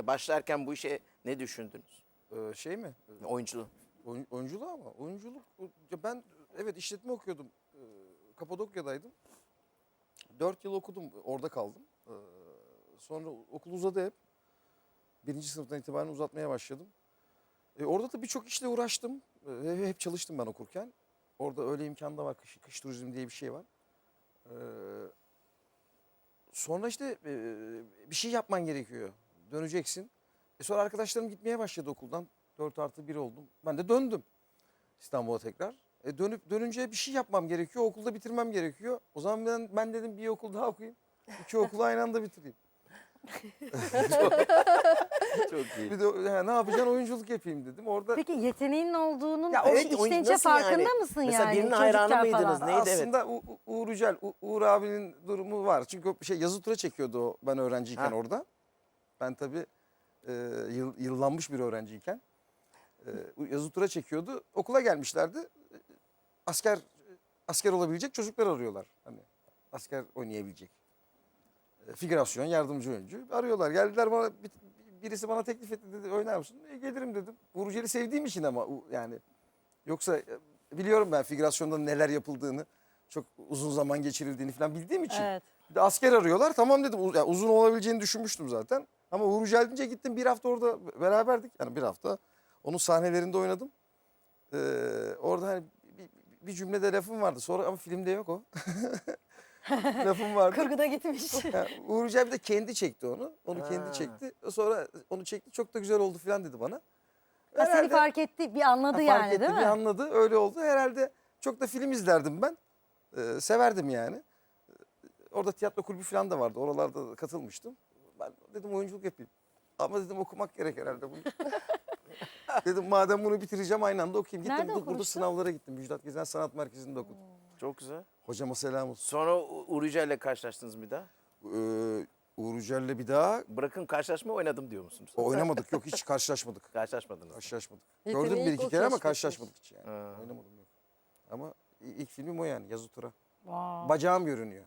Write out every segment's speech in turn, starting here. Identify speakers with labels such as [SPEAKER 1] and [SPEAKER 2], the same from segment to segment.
[SPEAKER 1] Başlarken bu işe ne düşündünüz?
[SPEAKER 2] Şey mi?
[SPEAKER 1] Oyunculuğu.
[SPEAKER 2] Oyunculuğu ama. Oyunculuk. Ya ben evet işletme okuyordum. Kapadokya'daydım. 4 yıl okudum. Orada kaldım. Sonra okul uzadı hep. 1. sınıftan itibaren uzatmaya başladım. Orada da birçok işle uğraştım. Hep çalıştım ben okurken. Orada öyle imkan da var. Kış turizmi diye bir şey var. Sonra işte bir şey yapman gerekiyor. Döneceksin. Sonra arkadaşlarım gitmeye başladı okuldan. 4+1 oldum. Ben de döndüm İstanbul'a tekrar. Dönünce bir şey yapmam gerekiyor. Okulda bitirmem gerekiyor. O zaman ben dedim bir okul daha okuyayım. 2 okulu aynı anda bitireyim.
[SPEAKER 1] Çok iyi.
[SPEAKER 2] Bir de ne yapacaksın, oyunculuk yapayım dedim. Orada
[SPEAKER 3] Peki yeteneğinin olduğunun
[SPEAKER 1] Ya
[SPEAKER 3] o
[SPEAKER 1] evet,
[SPEAKER 3] içten içe
[SPEAKER 1] nasıl
[SPEAKER 3] farkında
[SPEAKER 1] yani?
[SPEAKER 3] mısın
[SPEAKER 1] Mesela
[SPEAKER 3] yani?
[SPEAKER 1] birinin hayranı
[SPEAKER 3] çocukken
[SPEAKER 1] mıydınız?
[SPEAKER 3] falan?
[SPEAKER 1] Neydi?
[SPEAKER 2] aslında Uğur Yücel, Uğur abinin durumu var. Çünkü o yazı tura çekiyordu o ben öğrenciyken
[SPEAKER 1] Ha.
[SPEAKER 2] orada. Ben tabii yıllanmış bir öğrenciyken. Yazı tura çekiyordu. Okula gelmişlerdi. Asker olabilecek çocuklar arıyorlar. Hani asker oynayabilecek. Figürasyon, yardımcı oyuncu arıyorlar. Geldiler bana birisi bana teklif etti dedi oynar mısın? Gelirim dedim. Uğur Yücel'i sevdiğim için ama yani yoksa biliyorum ben figürasyonda neler yapıldığını, çok uzun zaman geçirildiğini falan bildiğim için.
[SPEAKER 3] Evet.
[SPEAKER 2] Bir de asker arıyorlar. Tamam dedim. Yani uzun olabileceğini düşünmüştüm zaten. Ama Uğur Yücel deyince gittim 1 hafta orada beraberdik. Yani 1 hafta onun sahnelerinde oynadım. Orada hani bir cümlede lafım vardı. Sonra ama filmde yok o. Lafım vardı.
[SPEAKER 3] Kurguda gitmiş.
[SPEAKER 2] Yani Uğur Yücel bir de kendi çekti onu. Onu
[SPEAKER 1] Ha.
[SPEAKER 2] kendi çekti. Sonra onu çekti. Çok da güzel oldu falan dedi bana.
[SPEAKER 3] Ha, seni
[SPEAKER 2] Herhalde-
[SPEAKER 3] fark etti, bir anladı
[SPEAKER 2] fark
[SPEAKER 3] yani
[SPEAKER 2] etti,
[SPEAKER 3] değil
[SPEAKER 2] bir
[SPEAKER 3] mi?
[SPEAKER 2] anladı. Öyle oldu. Herhalde çok da film izlerdim ben. Severdim yani. Orada tiyatro kulübü falan da vardı. Oralarda da katılmıştım. Ben dedim oyunculuk yapayım. Ama dedim okumak gerek herhalde bunu. Dedim madem bunu bitireceğim aynı anda okuyayım. Gittim
[SPEAKER 3] Nerede
[SPEAKER 2] burada
[SPEAKER 3] okumuştun?
[SPEAKER 2] sınavlara gittim. Müjdat Gezen Sanat Merkezi'nde okudum.
[SPEAKER 1] Çok güzel.
[SPEAKER 2] Hocama selam olsun.
[SPEAKER 1] Sonra Uğur Yücel'le karşılaştınız bir daha.
[SPEAKER 2] Uğur Yücel'le bir daha
[SPEAKER 1] Bırakın karşılaşma oynadım diyor musunuz?
[SPEAKER 2] oynamadık. Yok hiç karşılaşmadık.
[SPEAKER 1] Karşılaşmadınız.
[SPEAKER 2] Karşılaşmadık.
[SPEAKER 4] Yeteneği
[SPEAKER 2] Gördüm bir
[SPEAKER 4] ilk
[SPEAKER 2] iki
[SPEAKER 4] o
[SPEAKER 2] kere ama
[SPEAKER 4] keşfetmiş.
[SPEAKER 2] karşılaşmadık hiç yani.
[SPEAKER 1] Ha.
[SPEAKER 2] Oynamadım yok. Ama ilk filmim o yani yazı tura.
[SPEAKER 3] Wow.
[SPEAKER 2] Bacağım görünüyor.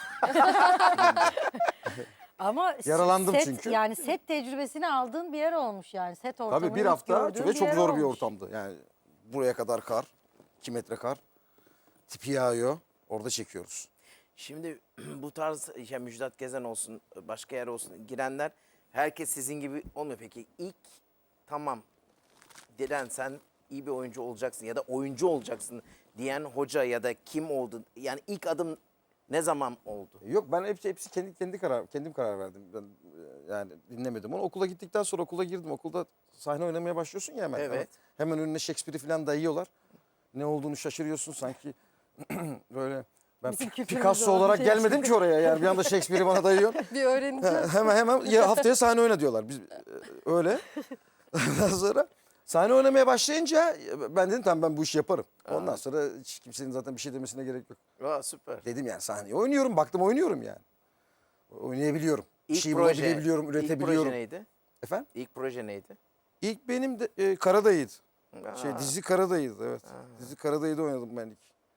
[SPEAKER 3] Ama
[SPEAKER 2] Yaralandım
[SPEAKER 3] set,
[SPEAKER 2] çünkü.
[SPEAKER 3] Yani set tecrübesini aldığın bir yer olmuş yani. Set ortamını
[SPEAKER 2] Tabii bir
[SPEAKER 3] ilk
[SPEAKER 2] hafta
[SPEAKER 3] gördüğün
[SPEAKER 2] ve çok
[SPEAKER 3] yer
[SPEAKER 2] zor bir
[SPEAKER 3] olmuş.
[SPEAKER 2] ortamdı. Yani buraya kadar kar, 2 metre kar. Tipi yağıyor. Orada çekiyoruz.
[SPEAKER 1] Şimdi bu tarz ya Müjdat Gezen olsun, başka yer olsun girenler herkes sizin gibi olmuyor. Peki ilk tamam Diren sen iyi bir oyuncu olacaksın ya da oyuncu olacaksın diyen hoca ya da kim oldu? Yani ilk adım ne zaman oldu?
[SPEAKER 2] Yok ben hepsi kendim karar verdim. Ben yani dinlemedim onu. Okula gittikten sonra okula girdim. Okulda sahne oynamaya başlıyorsun ya hemen.
[SPEAKER 1] Evet.
[SPEAKER 2] Hemen önüne Shakespeare'i falan dayıyorlar. Ne olduğunu şaşırıyorsun sanki. Böyle ben
[SPEAKER 3] Bizim kültürümüzde
[SPEAKER 2] Picasso
[SPEAKER 3] olan bir
[SPEAKER 2] olarak
[SPEAKER 3] şey
[SPEAKER 2] gelmedim ki oraya yani bir anda Shakespeare'i bana dayıyor.
[SPEAKER 4] Bir öğreneceğiz.
[SPEAKER 2] hemen ya haftaya sahne oyna diyorlar. Biz öyle. Ondan sonra sahne oynamaya başlayınca ben dedim tamam ben bu işi yaparım. Ondan sonra hiç kimsenin zaten bir şey demesine gerek yok.
[SPEAKER 1] Aa, süper.
[SPEAKER 2] Dedim yani sahneye oynuyorum. Baktım oynuyorum yani. Oynayabiliyorum. Bir
[SPEAKER 1] İlk
[SPEAKER 2] şey
[SPEAKER 1] proje,
[SPEAKER 2] bulabiliyorum,
[SPEAKER 1] ilk
[SPEAKER 2] üretebiliyorum.
[SPEAKER 1] proje neydi?
[SPEAKER 2] Efendim?
[SPEAKER 1] İlk proje neydi?
[SPEAKER 2] İlk benim de Karadayı'ydı.
[SPEAKER 1] Aa.
[SPEAKER 2] Dizi Karadayı'ydı evet. Dizi Karadayı'da oynadım ben ilk.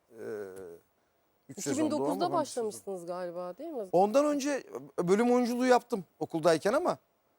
[SPEAKER 2] 3 sezonda o ama
[SPEAKER 4] 2009'da
[SPEAKER 2] ben bir sezon.
[SPEAKER 4] başlamışsınız galiba değil mi?
[SPEAKER 2] Ondan önce bölüm oyunculuğu yaptım okuldayken ama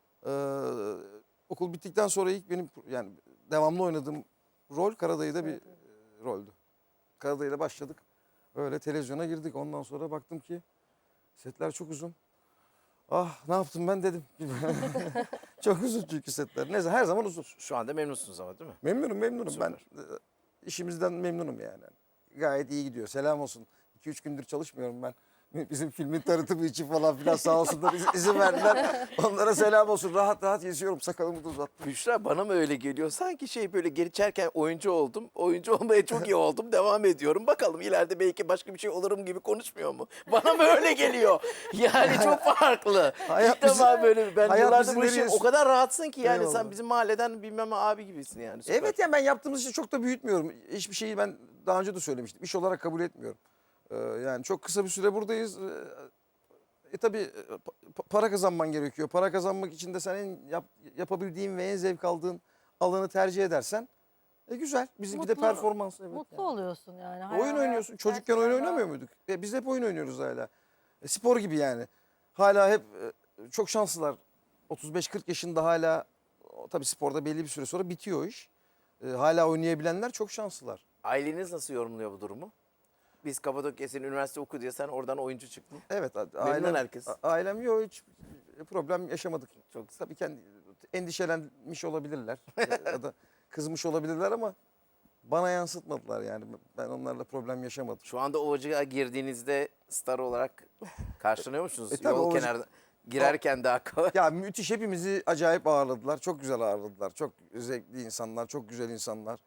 [SPEAKER 2] okul bittikten sonra ilk benim yani devamlı oynadığım rol Karadayı'da bir roldü. Karadayı'da başladık. Öyle televizyona girdik. Ondan sonra baktım ki setler çok uzun. Ah ne yaptım ben dedim. Çok uzun çünkü setler. Neyse her zaman uzun.
[SPEAKER 1] Şu anda memnunsunuz ama değil mi?
[SPEAKER 2] Memnunum.
[SPEAKER 1] Süper.
[SPEAKER 2] Ben işimizden memnunum yani. Gayet iyi gidiyor. Selam olsun. 2-3 gündür çalışmıyorum ben. Bizim filmin tanıtımı için falan filan sağ olsunlar izin verdiler. Onlara selam olsun. Rahat rahat geziyorum. Sakalımı da uzattım.
[SPEAKER 1] Büşra bana mı öyle geliyor? Sanki şey böyle geçerken oyuncu oldum. Oyuncu olmaya çok iyi oldum. Devam ediyorum. Bakalım ileride belki başka bir şey olurum gibi konuşmuyor mu? Bana mı öyle geliyor? Yani çok farklı.
[SPEAKER 2] Hayat
[SPEAKER 1] İlk defa böyle ben
[SPEAKER 2] hayat
[SPEAKER 1] yıllardır
[SPEAKER 2] bizi
[SPEAKER 1] bu işi
[SPEAKER 2] nereye-
[SPEAKER 1] o kadar rahatsın ki yani
[SPEAKER 2] Eyvallah.
[SPEAKER 1] sen bizim mahalleden bilmem abi gibisin yani. Süper.
[SPEAKER 2] Evet yani ben yaptığımız işi çok da büyütmüyorum. Hiçbir şeyi ben daha önce de söylemiştim. İş olarak kabul etmiyorum. Yani çok kısa bir süre buradayız. Tabii para kazanman gerekiyor. Para kazanmak için de sen yapabildiğin ve en zevk aldığın alanı tercih edersen güzel. Bizimki de
[SPEAKER 3] Mutlu-
[SPEAKER 2] performans. Evet,
[SPEAKER 3] Mutlu
[SPEAKER 2] yani.
[SPEAKER 3] oluyorsun yani.
[SPEAKER 2] Oyun oynuyorsun. Çocukken oyun oynamıyor muyduk? Biz hep oyun oynuyoruz hala. Spor gibi yani. Hala hep çok şanslılar. 35-40 yaşında hala tabii sporda belli bir süre sonra bitiyor o iş. Hala oynayabilenler çok şanslılar.
[SPEAKER 1] Aileniz nasıl yorumluyor bu durumu? Biz Kapadokya senin üniversite oku diye sen oradan oyuncu çıktın.
[SPEAKER 2] Evet,
[SPEAKER 1] Memnun herkes.
[SPEAKER 2] Ailem yok, hiç problem yaşamadık. Çok tabii kendi endişelenmiş olabilirler ya da kızmış olabilirler ama bana yansıtmadılar yani. Ben onlarla problem yaşamadım.
[SPEAKER 1] Şu anda Ovacık'a girdiğinizde star olarak karşılanıyor musunuz?
[SPEAKER 2] tabii
[SPEAKER 1] Yol
[SPEAKER 2] Ovacık-
[SPEAKER 1] kenarında girerken daha kolay.
[SPEAKER 2] Ya müthiş, hepimizi acayip ağırladılar. Çok güzel ağırladılar. Çok zevkli insanlar, çok güzel insanlar.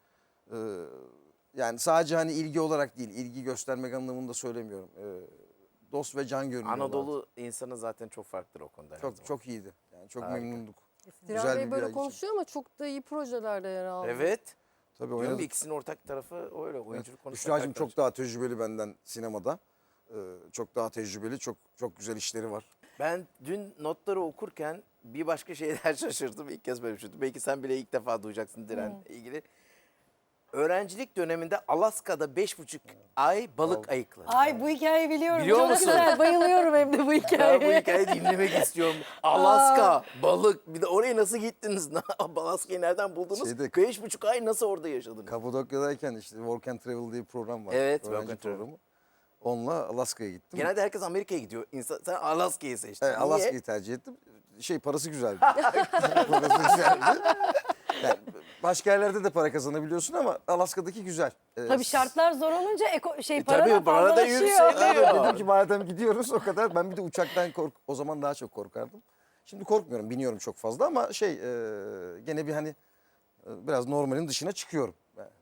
[SPEAKER 2] Yani sadece hani ilgi olarak değil, ilgi göstermek anlamında söylemiyorum. Dost ve can görünüyorlardı.
[SPEAKER 1] Anadolu insanı zaten çok farklıdır o konuda. her zaman.
[SPEAKER 2] Çok iyiydi. Yani çok
[SPEAKER 1] Harika.
[SPEAKER 2] memnunduk.
[SPEAKER 4] Diren
[SPEAKER 2] güzel
[SPEAKER 4] Bey
[SPEAKER 2] bir
[SPEAKER 4] böyle
[SPEAKER 2] yay
[SPEAKER 4] konuşuyor ama çok da iyi projelerde yer aldı.
[SPEAKER 1] Evet.
[SPEAKER 2] Tabii
[SPEAKER 1] Diyorum
[SPEAKER 2] oynadık.
[SPEAKER 1] ikisinin ortak tarafı öyle. Oyunculuk konusunda.
[SPEAKER 2] Büşra'cığım
[SPEAKER 1] farklı.
[SPEAKER 2] çok daha tecrübeli benden sinemada. Çok daha tecrübeli, çok güzel işleri var.
[SPEAKER 1] Ben dün notları okurken bir başka şeyler şaşırdım. İlk kez böyle bir şey. Belki sen bile ilk defa duyacaksın Diren'le ilgili. Öğrencilik döneminde Alaska'da 5,5 ay balık ayıkladı.
[SPEAKER 3] Ay bu hikayeyi biliyorum.
[SPEAKER 1] Biliyor
[SPEAKER 3] Çok
[SPEAKER 1] musun?
[SPEAKER 3] güzel. Bayılıyorum hem de bu
[SPEAKER 1] Ben bu
[SPEAKER 3] hikayeye.
[SPEAKER 1] hikayeyi dinlemek istiyorum. Alaska, balık. Bir de oraya nasıl gittiniz? Alaska'yı nereden buldunuz?
[SPEAKER 2] Şeyde-
[SPEAKER 1] 5,5 ay nasıl orada yaşadınız?
[SPEAKER 2] Kapadokya'dayken işte Work and Travel diye bir program var.
[SPEAKER 1] Evet,
[SPEAKER 2] öğrenci
[SPEAKER 1] Work and Travel.
[SPEAKER 2] programı. Onunla Alaska'ya gittim.
[SPEAKER 1] Genelde herkes Amerika'ya gidiyor. Sen Alaska'yı seçtin.
[SPEAKER 2] Evet,
[SPEAKER 1] Niye?
[SPEAKER 2] Alaska'yı tercih ettim. Parası güzeldi. Parası güzeldi. Yani başka yerlerde de para kazanabiliyorsun ama Alaska'daki güzel.
[SPEAKER 3] Tabii şartlar zor olunca para
[SPEAKER 1] tabii,
[SPEAKER 3] da
[SPEAKER 1] para da
[SPEAKER 3] fazlalaşıyor.
[SPEAKER 1] yükseliyor.
[SPEAKER 2] Dedim ki madem gidiyoruz o kadar. Ben bir de uçaktan o zaman daha çok korkardım. Şimdi korkmuyorum, biniyorum çok fazla ama gene bir hani biraz normalin dışına çıkıyorum.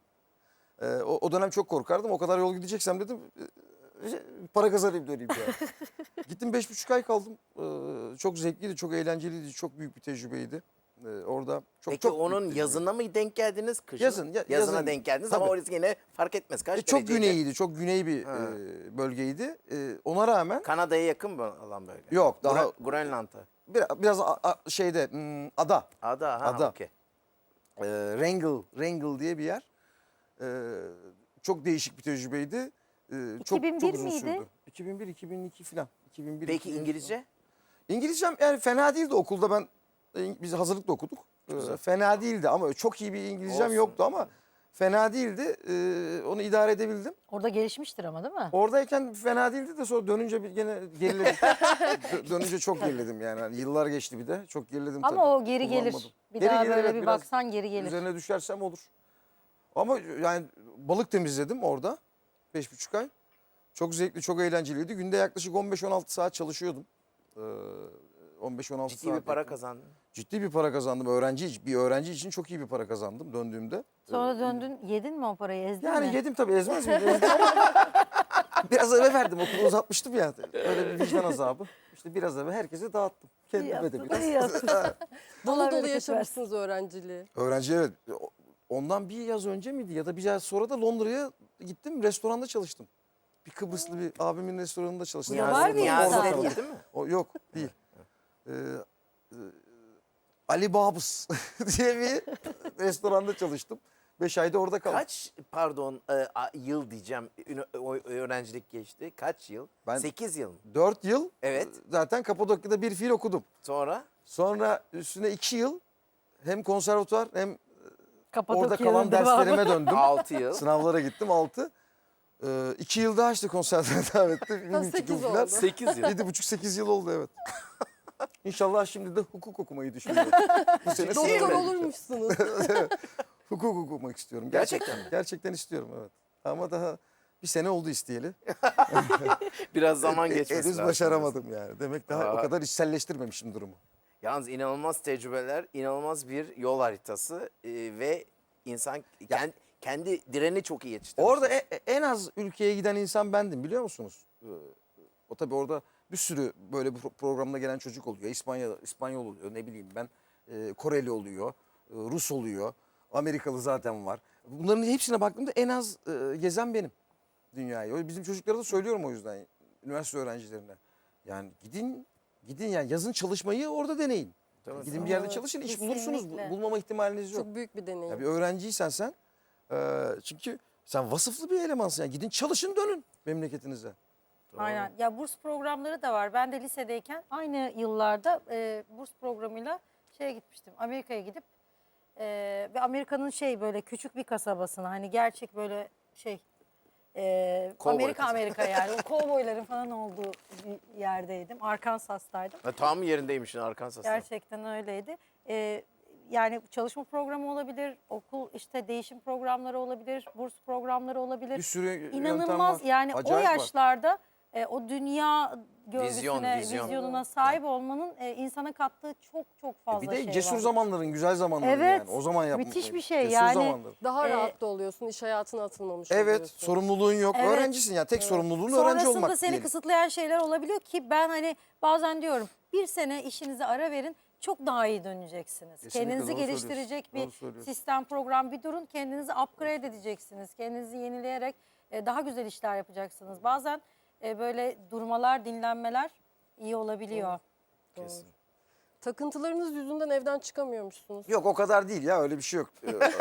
[SPEAKER 2] O dönem çok korkardım. O kadar yol gideceksem dedim para kazanayım döneyim ya. Gittim 5,5 ay kaldım. Çok zevkliydi, çok eğlenceliydi, çok büyük bir tecrübeydi. Orada çok
[SPEAKER 1] Peki
[SPEAKER 2] çok büyük
[SPEAKER 1] onun
[SPEAKER 2] bir tecrübe.
[SPEAKER 1] yazına mı denk geldiniz? Kışın?
[SPEAKER 2] Yazın,
[SPEAKER 1] Yazına
[SPEAKER 2] yazın.
[SPEAKER 1] denk geldiniz ama
[SPEAKER 2] Tabii.
[SPEAKER 1] orası yine fark etmez. Kaç
[SPEAKER 2] Çok
[SPEAKER 1] dereceydi?
[SPEAKER 2] güneyiydi, çok güney bir
[SPEAKER 1] Ha.
[SPEAKER 2] bölgeydi. Ona rağmen
[SPEAKER 1] Kanada'ya yakın mı alan böyle?
[SPEAKER 2] yok, daha
[SPEAKER 1] Grönland'a.
[SPEAKER 2] biraz ada.
[SPEAKER 1] Ada.
[SPEAKER 2] Ada.
[SPEAKER 1] Okey.
[SPEAKER 2] Wrangell diye bir yer. Çok değişik bir tecrübeydi. Çok
[SPEAKER 3] 2001
[SPEAKER 2] uzun
[SPEAKER 3] miydi?
[SPEAKER 2] sürdü. 2001, 2002 falan. 2001,
[SPEAKER 1] Peki
[SPEAKER 2] 2002
[SPEAKER 1] İngilizce?
[SPEAKER 2] İngilizcem yani fena değildi okulda ben biz hazırlıkta okuduk. Fena değildi ama çok iyi bir İngilizcem
[SPEAKER 1] Olsun.
[SPEAKER 2] yoktu ama fena değildi. Onu idare edebildim.
[SPEAKER 3] Orada gelişmiştir ama değil mi?
[SPEAKER 2] Oradayken fena değildi de sonra dönünce gene geriledim. Dönünce çok geriledim yani. Hani yıllar geçti bir de. Çok geriledim tabii.
[SPEAKER 3] Ama o geri gelir.
[SPEAKER 2] Kullanmadım.
[SPEAKER 3] Bir
[SPEAKER 2] Geri
[SPEAKER 3] daha
[SPEAKER 2] gelir,
[SPEAKER 3] böyle
[SPEAKER 2] evet,
[SPEAKER 3] bir
[SPEAKER 2] biraz
[SPEAKER 3] baksan geri gelir.
[SPEAKER 2] Üzerine düşersem olur. Ama yani balık temizledim orada 5,5 ay. Çok zevkli, çok eğlenceliydi. Günde yaklaşık 15-16 saat çalışıyordum. 15-16
[SPEAKER 1] Ciddi
[SPEAKER 2] saat.
[SPEAKER 1] bir para
[SPEAKER 2] yakın.
[SPEAKER 1] kazandın.
[SPEAKER 2] Ciddi bir para kazandım. Bir öğrenci için çok iyi bir para kazandım döndüğümde.
[SPEAKER 3] Sonra döndün yedin mi o parayı ezdin
[SPEAKER 2] Yani
[SPEAKER 3] mi?
[SPEAKER 2] yedim tabii, ezmez miyim? Ezdim ama biraz eve verdim, okulu uzatmıştım ya. Öyle bir vicdan azabı. İşte biraz eve herkese dağıttım.
[SPEAKER 3] İyi
[SPEAKER 2] Kendime de
[SPEAKER 3] yaptın,
[SPEAKER 2] biraz.
[SPEAKER 3] iyi yaptın.
[SPEAKER 4] Dolu
[SPEAKER 3] Allah
[SPEAKER 4] dolu
[SPEAKER 3] bereket
[SPEAKER 4] yaşamışsınız öğrenciliği.
[SPEAKER 2] Öğrenci, evet. Ondan bir yaz önce miydi ya da bir yaz sonra da Londra'ya gittim. Restoranda çalıştım. Bir Kıbrıslı bir abimin restoranında çalıştım.
[SPEAKER 3] Ya var bir
[SPEAKER 1] Niyazi
[SPEAKER 3] insan.
[SPEAKER 1] de
[SPEAKER 2] Orada
[SPEAKER 1] değil, değil mi?
[SPEAKER 2] O yok, değil. Ali Babus diye bir restoranda çalıştım. 5 ayda orada kaldım.
[SPEAKER 1] Kaç yıl diyeceğim öğrencilik geçti? Kaç yıl?
[SPEAKER 2] Ben-
[SPEAKER 1] 8 yıl mı?
[SPEAKER 2] 4 yıl
[SPEAKER 1] Evet.
[SPEAKER 2] zaten Kapadokya'da bir fiil okudum.
[SPEAKER 1] Sonra?
[SPEAKER 2] Sonra üstüne 2 yıl hem konservatuvar hem orada
[SPEAKER 3] Kapadokya'nın
[SPEAKER 2] kalan
[SPEAKER 3] devamı.
[SPEAKER 2] derslerime döndüm.
[SPEAKER 1] 6 yıl.
[SPEAKER 2] Sınavlara gittim 6. 2 yıl daha işte konservatuvar devam etti. Bir buçuk
[SPEAKER 4] 8
[SPEAKER 2] yıl falan.
[SPEAKER 4] oldu.
[SPEAKER 1] 8 yıl.
[SPEAKER 2] 7,5-8 yıl oldu, evet. İnşallah şimdi de hukuk okumayı düşünüyorum. Bu sene
[SPEAKER 1] Doktor
[SPEAKER 4] Doktor
[SPEAKER 1] mi?
[SPEAKER 4] olurmuşsunuz.
[SPEAKER 2] hukuk okumak istiyorum.
[SPEAKER 1] Gerçekten mi?
[SPEAKER 2] Gerçekten istiyorum, evet. Ama daha bir sene oldu isteyeli.
[SPEAKER 1] Biraz zaman geçmesi
[SPEAKER 2] Henüz
[SPEAKER 1] lazım.
[SPEAKER 2] başaramadım yani. Demek daha o
[SPEAKER 1] Aa.
[SPEAKER 2] kadar içselleştirmemişim durumu.
[SPEAKER 1] Yalnız inanılmaz tecrübeler, inanılmaz bir yol haritası ve insan kendi direni çok iyi yetiştirmiş.
[SPEAKER 2] Orada en az ülkeye giden insan bendim, biliyor musunuz? O tabii orada bir sürü böyle bir programda gelen çocuk oluyor. İspanyol oluyor, ne bileyim ben. Koreli oluyor, Rus oluyor, Amerikalı zaten var. Bunların hepsine baktığımda en az gezen benim dünyayı. Bizim çocuklara da söylüyorum o yüzden, üniversite öğrencilerine. Yani gidin yani yazın çalışmayı orada deneyin.
[SPEAKER 1] Tabii.
[SPEAKER 2] Gidin bir yerde
[SPEAKER 4] Evet,
[SPEAKER 2] çalışın, iş
[SPEAKER 3] kesinlikle.
[SPEAKER 2] bulursunuz. Bulmama ihtimaliniz yok.
[SPEAKER 4] Çok büyük bir deneyim.
[SPEAKER 2] Ya bir öğrenciysen sen, çünkü sen vasıflı bir elemansın. Yani gidin çalışın, dönün memleketinize.
[SPEAKER 3] Aynen. Ya burs programları da var. Ben de lisedeyken aynı yıllarda burs programıyla şeye gitmiştim. Amerika'ya gidip ve Amerika'nın böyle küçük bir kasabasına, hani gerçek böyle
[SPEAKER 1] Kovboy
[SPEAKER 3] Amerika
[SPEAKER 1] kasabası.
[SPEAKER 3] Amerika yani o kovboyların falan olduğu bir yerdeydim. Arkansas'taydım.
[SPEAKER 1] Tam yerindeymişsin Arkansas'ta.
[SPEAKER 3] Gerçekten öyleydi. Yani çalışma programı olabilir, okul işte değişim programları olabilir, burs programları olabilir.
[SPEAKER 2] Bir sürü yöntem
[SPEAKER 3] İnanılmaz
[SPEAKER 2] var.
[SPEAKER 3] yani
[SPEAKER 2] Acayip
[SPEAKER 3] o
[SPEAKER 2] var.
[SPEAKER 3] yaşlarda o dünya görgüsüne,
[SPEAKER 1] Vizyon.
[SPEAKER 3] vizyonuna sahip olmanın insana kattığı çok çok fazla
[SPEAKER 2] Bir de
[SPEAKER 3] şey
[SPEAKER 2] cesur
[SPEAKER 3] var.
[SPEAKER 2] zamanların, güzel zamanların
[SPEAKER 3] Evet,
[SPEAKER 2] yani. O zaman
[SPEAKER 3] müthiş bir şey
[SPEAKER 2] cesur
[SPEAKER 3] yani.
[SPEAKER 2] zamanların.
[SPEAKER 4] Daha
[SPEAKER 3] Ee,
[SPEAKER 4] rahat da oluyorsun. İş hayatına atılmamış
[SPEAKER 2] Evet,
[SPEAKER 4] oluyorsun.
[SPEAKER 2] sorumluluğun yok.
[SPEAKER 3] Evet.
[SPEAKER 2] Öğrencisin ya. Tek sorumluluğun öğrenci
[SPEAKER 3] Sonrasında
[SPEAKER 2] olmak
[SPEAKER 3] seni
[SPEAKER 2] diyelim.
[SPEAKER 3] kısıtlayan şeyler olabiliyor ki ben hani bazen diyorum bir sene işinize ara verin, çok daha iyi döneceksiniz.
[SPEAKER 2] Kesinlikle
[SPEAKER 3] Kendinizi
[SPEAKER 2] doğru
[SPEAKER 3] geliştirecek
[SPEAKER 2] söylüyorsun, doğru
[SPEAKER 3] bir
[SPEAKER 2] söylüyorsun.
[SPEAKER 3] sistem, program bir durun. Kendinizi upgrade edeceksiniz. Kendinizi yenileyerek daha güzel işler yapacaksınız. Bazen böyle durmalar, dinlenmeler iyi olabiliyor.
[SPEAKER 1] Kesin.
[SPEAKER 4] Takıntılarınız yüzünden evden çıkamıyormuşsunuz.
[SPEAKER 2] Yok o kadar değil ya öyle bir şey yok.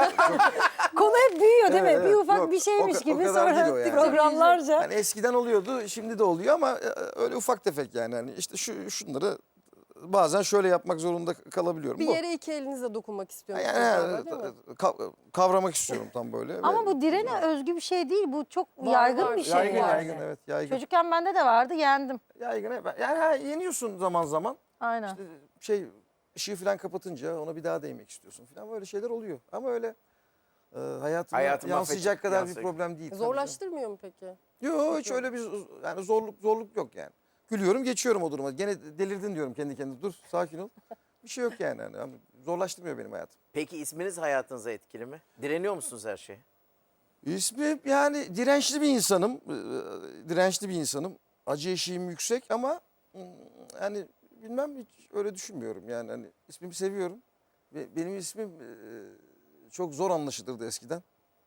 [SPEAKER 3] Konu hep büyüyor değil mi?
[SPEAKER 2] Evet,
[SPEAKER 3] Bir
[SPEAKER 2] evet.
[SPEAKER 3] ufak
[SPEAKER 2] Yok,
[SPEAKER 3] bir şeymiş
[SPEAKER 2] o
[SPEAKER 3] gibi
[SPEAKER 2] kadar değil o
[SPEAKER 3] sonra
[SPEAKER 2] yani.
[SPEAKER 3] programlarca.
[SPEAKER 2] Yani eskiden oluyordu, şimdi de oluyor ama öyle ufak tefek yani. Hani işte şunları bazen şöyle yapmak zorunda kalabiliyorum.
[SPEAKER 4] Bir
[SPEAKER 2] Bu.
[SPEAKER 4] yere iki elinizle dokunmak istiyorsunuz
[SPEAKER 2] Yani
[SPEAKER 4] galiba, değil mi?
[SPEAKER 2] kavramak istiyorum tam böyle.
[SPEAKER 3] Ama
[SPEAKER 2] Ve-
[SPEAKER 3] bu direne özgü bir şey değil. Bu çok
[SPEAKER 4] Var,
[SPEAKER 3] yaygın
[SPEAKER 4] var.
[SPEAKER 3] bir şey
[SPEAKER 2] yaygın
[SPEAKER 3] yani.
[SPEAKER 2] yaygın evet yaygın.
[SPEAKER 3] Çocukken bende de vardı, yendim.
[SPEAKER 2] Yaygın evet. Yani yeniyorsun zaman zaman.
[SPEAKER 3] Aynen.
[SPEAKER 2] İşte ışığı falan kapatınca ona bir daha değmek istiyorsun falan böyle şeyler oluyor. Ama öyle hayatına
[SPEAKER 1] Hayatı
[SPEAKER 2] yansıyacak
[SPEAKER 1] mahvedecek,
[SPEAKER 2] kadar bir
[SPEAKER 1] yansıyacak.
[SPEAKER 2] problem değil.
[SPEAKER 4] Zorlaştırmıyor mu peki?
[SPEAKER 2] Yok hiç öyle bir yani zorluk yok yani. Gülüyorum geçiyorum o duruma. Gene delirdin diyorum kendi kendime. Dur sakin ol. Bir şey yok yani. Yani zorlaştırmıyor benim hayatım.
[SPEAKER 1] Peki isminiz hayatınıza etkili mi? Direniyor musunuz her şeye?
[SPEAKER 2] İsmi yani dirençli bir insanım. Dirençli bir insanım. Acı eşiğim yüksek ama yani bilmem hiç öyle düşünmüyorum. Yani hani ismimi seviyorum. Ve benim ismim çok zor anlaşılırdı eskiden.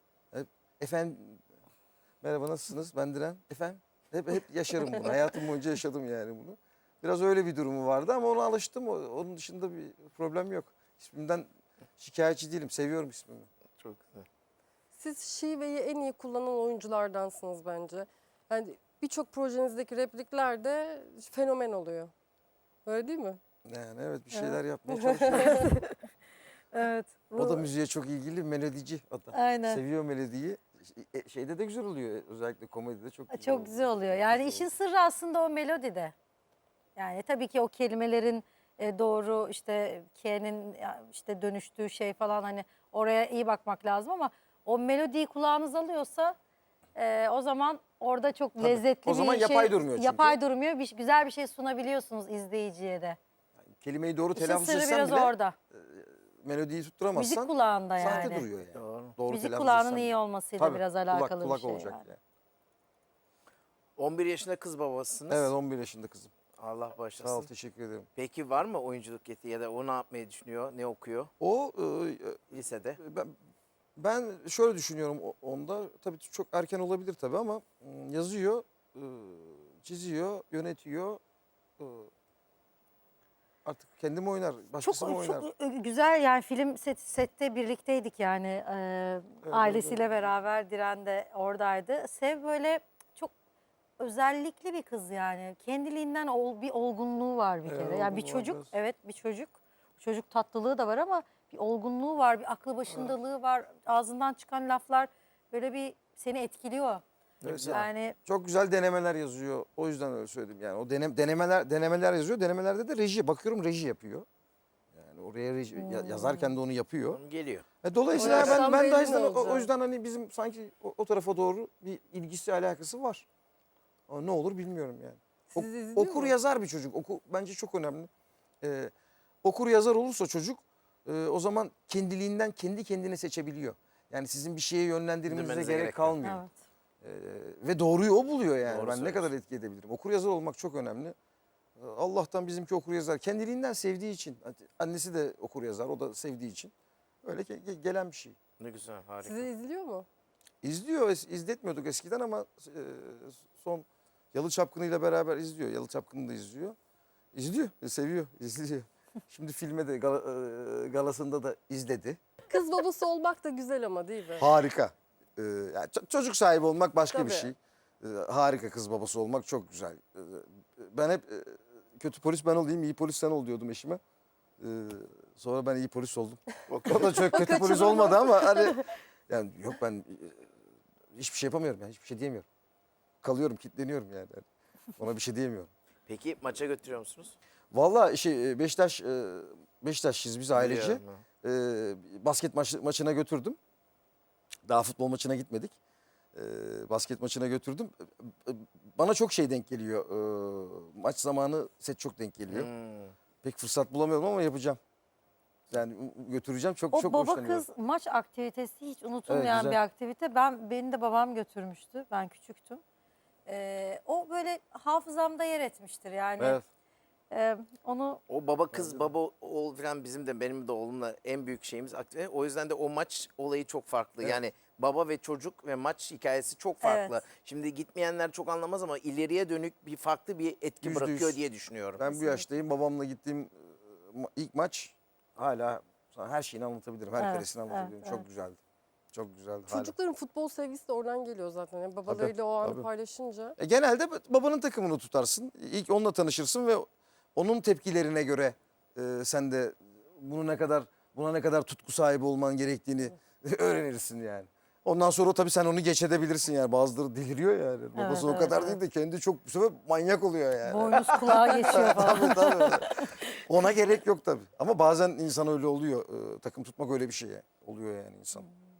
[SPEAKER 2] Efendim merhaba nasılsınız? Ben Diren. Efendim hep yaşarım bunu. Hayatım boyunca yaşadım yani bunu. Biraz öyle bir durumu vardı ama ona alıştım. Onun dışında bir problem yok. İsmimden şikayetçi değilim. Seviyorum ismimi.
[SPEAKER 1] Çok güzel.
[SPEAKER 4] Siz şiveyi en iyi kullanan oyunculardansınız bence. Yani birçok projenizdeki replikler de fenomen oluyor. Öyle değil mi?
[SPEAKER 2] Yani evet bir şeyler yapmaya çalışıyorum.
[SPEAKER 3] Evet.
[SPEAKER 2] O da müziğe çok ilgili melodici o da.
[SPEAKER 3] Aynen.
[SPEAKER 2] Seviyor melodiyi. Şeyde de güzel oluyor. Özellikle komedide çok güzel
[SPEAKER 3] Çok güzel oluyor. Yani işin sırrı aslında o melodide. Yani tabii ki o kelimelerin doğru işte K'nin işte dönüştüğü şey falan hani oraya iyi bakmak lazım ama o melodiyi kulağınız alıyorsa o zaman orada çok lezzetli
[SPEAKER 2] O zaman
[SPEAKER 3] bir şey.
[SPEAKER 2] yapay durmuyor çünkü.
[SPEAKER 3] Yapay durmuyor. Güzel bir şey sunabiliyorsunuz izleyiciye de.
[SPEAKER 2] Kelimeyi doğru
[SPEAKER 3] İşin
[SPEAKER 2] telaffuz
[SPEAKER 3] sırrı
[SPEAKER 2] etsen
[SPEAKER 3] biraz
[SPEAKER 2] bile
[SPEAKER 3] orada.
[SPEAKER 2] melodiyi tutturamazsan
[SPEAKER 3] Müzik kulağında
[SPEAKER 2] sahte
[SPEAKER 3] yani.
[SPEAKER 2] duruyor yani.
[SPEAKER 1] Doğru.
[SPEAKER 2] Doğru
[SPEAKER 3] Müzik
[SPEAKER 2] telaffuz
[SPEAKER 3] kulağının
[SPEAKER 2] etsen
[SPEAKER 3] iyi
[SPEAKER 2] bile.
[SPEAKER 3] olmasıyla
[SPEAKER 2] Tabii,
[SPEAKER 3] biraz
[SPEAKER 2] kulak,
[SPEAKER 3] alakalı
[SPEAKER 2] kulak
[SPEAKER 3] bir şey.
[SPEAKER 2] olacak
[SPEAKER 3] yani.
[SPEAKER 2] yani.
[SPEAKER 1] 11 yaşında kız babasısınız.
[SPEAKER 2] Evet 11 yaşında kızım.
[SPEAKER 1] Allah
[SPEAKER 2] Sağ ol
[SPEAKER 1] bağışlasın.
[SPEAKER 2] teşekkür ederim.
[SPEAKER 1] Peki var mı oyunculuk yeteneği ya da o ne yapmayı düşünüyor? Ne okuyor
[SPEAKER 2] O
[SPEAKER 1] lisede?
[SPEAKER 2] ben şöyle düşünüyorum onda. Tabii çok erken olabilir tabii ama yazıyor, çiziyor, yönetiyor. Artık kendim oynar, başkası mı oynar?
[SPEAKER 3] Çok güzel yani film sette birlikteydik yani ailesiyle beraber Diren de oradaydı. Sev böyle çok özellikli bir kız yani kendiliğinden bir olgunluğu var bir
[SPEAKER 2] Evet,
[SPEAKER 3] kere. Yani bir
[SPEAKER 2] olgunluğu var
[SPEAKER 3] çocuk
[SPEAKER 2] biraz.
[SPEAKER 3] evet bir çocuk tatlılığı da var ama bir olgunluğu var bir aklı başındalığı var ağzından çıkan laflar böyle bir seni etkiliyor.
[SPEAKER 1] Ne güzel.
[SPEAKER 3] Yani
[SPEAKER 2] Çok güzel denemeler yazıyor. O yüzden öyle söyledim. Yani o denemeler yazıyor. Denemelerde de reji. Bakıyorum reji yapıyor. Yani oraya reji yazarken de onu yapıyor.
[SPEAKER 1] Onun geliyor.
[SPEAKER 2] Dolayısıyla
[SPEAKER 4] O yaştan
[SPEAKER 2] ben de
[SPEAKER 4] belli
[SPEAKER 2] o yüzden,
[SPEAKER 4] olacak.
[SPEAKER 2] o yüzden hani bizim sanki o tarafa doğru bir ilgisi alakası var. Ama ne olur bilmiyorum yani.
[SPEAKER 4] Sizi izliyor
[SPEAKER 2] Okur
[SPEAKER 4] mu?
[SPEAKER 2] yazar bir çocuk. Bence çok önemli. Okur yazar olursa çocuk o zaman kendiliğinden kendi kendine seçebiliyor. Yani sizin bir şeye yönlendirmenize
[SPEAKER 1] Dinlemenize
[SPEAKER 2] gerek
[SPEAKER 1] gerek yok.
[SPEAKER 2] kalmıyor.
[SPEAKER 3] evet.
[SPEAKER 2] Ve doğruyu o buluyor yani.
[SPEAKER 1] Doğru
[SPEAKER 2] Ben ne
[SPEAKER 1] söylüyorsun.
[SPEAKER 2] kadar etki edebilirim. Okur yazar olmak çok önemli. Allah'tan bizimki okur yazar. Kendiliğinden sevdiği için. Annesi de okur yazar. O da sevdiği için. Öyle gelen bir şey.
[SPEAKER 1] Ne güzel, harika.
[SPEAKER 4] Sizi izliyor mu?
[SPEAKER 2] İzliyor. İzletmiyorduk eskiden ama son Yalı Çapkını'yla beraber izliyor. Yalı Çapkını da izliyor. İzliyor. Seviyor. İzliyor. Şimdi filme de galasında da izledi.
[SPEAKER 4] Kız babası olmak da güzel ama değil mi?
[SPEAKER 2] Harika. Yani çocuk sahibi olmak başka bir
[SPEAKER 4] Tabii.
[SPEAKER 2] şey. Harika kız babası olmak çok güzel. Ben hep kötü polis ben olayım, iyi polis sen ol diyordum eşime. Sonra ben iyi polis oldum. O da çok kötü polis olmadı ama hani yani yok ben hiçbir şey yapamıyorum yani hiçbir şey diyemiyorum. Kalıyorum, kilitleniyorum yani. Ona bir şey diyemiyorum.
[SPEAKER 1] Peki maça götürüyor musunuz?
[SPEAKER 2] Vallahi Beşiktaşlıyız biz ailece.
[SPEAKER 1] Biliyorum.
[SPEAKER 2] Basket maçına götürdüm. Daha futbol maçına gitmedik. Basket maçına götürdüm. Bana çok şey denk geliyor. Maç zamanı set çok denk geliyor. Pek fırsat bulamıyorum ama yapacağım. Yani götüreceğim. Çok
[SPEAKER 3] O
[SPEAKER 2] çok
[SPEAKER 3] baba
[SPEAKER 2] hoşlanıyorum.
[SPEAKER 3] kız maç aktivitesi hiç unutulmayan
[SPEAKER 2] güzel.
[SPEAKER 3] bir aktivite. Beni de babam götürmüştü. Ben küçüktüm. O böyle hafızamda yer etmiştir yani.
[SPEAKER 2] Evet.
[SPEAKER 3] Onu
[SPEAKER 1] O baba kız baba oğul falan bizim de benim de oğlumla en büyük şeyimiz aktive. O yüzden de o maç olayı çok farklı.
[SPEAKER 2] Evet.
[SPEAKER 1] Yani baba ve çocuk ve maç hikayesi çok farklı.
[SPEAKER 3] Evet.
[SPEAKER 1] Şimdi gitmeyenler çok anlamaz ama ileriye dönük bir farklı bir etki
[SPEAKER 2] %100.
[SPEAKER 1] bırakıyor diye düşünüyorum.
[SPEAKER 2] Ben bu yaştayım. Babamla gittiğim ilk maç hala sana her şeyini anlatabilirim. Her
[SPEAKER 3] Evet,
[SPEAKER 2] karesini anlatabilirim.
[SPEAKER 3] evet,
[SPEAKER 2] çok
[SPEAKER 3] evet.
[SPEAKER 2] güzeldi. Çok güzeldi. hala.
[SPEAKER 4] Çocukların futbol sevgisi de oradan geliyor zaten. Yani babalarıyla o anı
[SPEAKER 2] tabii.
[SPEAKER 4] paylaşınca.
[SPEAKER 2] Genelde babanın takımını tutarsın. İlk onunla tanışırsın ve onun tepkilerine göre sen de buna ne kadar tutku sahibi olman gerektiğini öğrenirsin yani. Ondan sonra tabii sen onu geç edebilirsin yani. Bazıları deliriyor yani. Babası o
[SPEAKER 3] evet,
[SPEAKER 2] kadar
[SPEAKER 3] evet.
[SPEAKER 2] değil de kendi çok bu sefer manyak oluyor yani.
[SPEAKER 3] boynuz kulağa geçiyor falan.
[SPEAKER 2] Tabii. Ona gerek yok tabii. Ama bazen insan öyle oluyor. Takım tutmak öyle bir şey oluyor yani insan.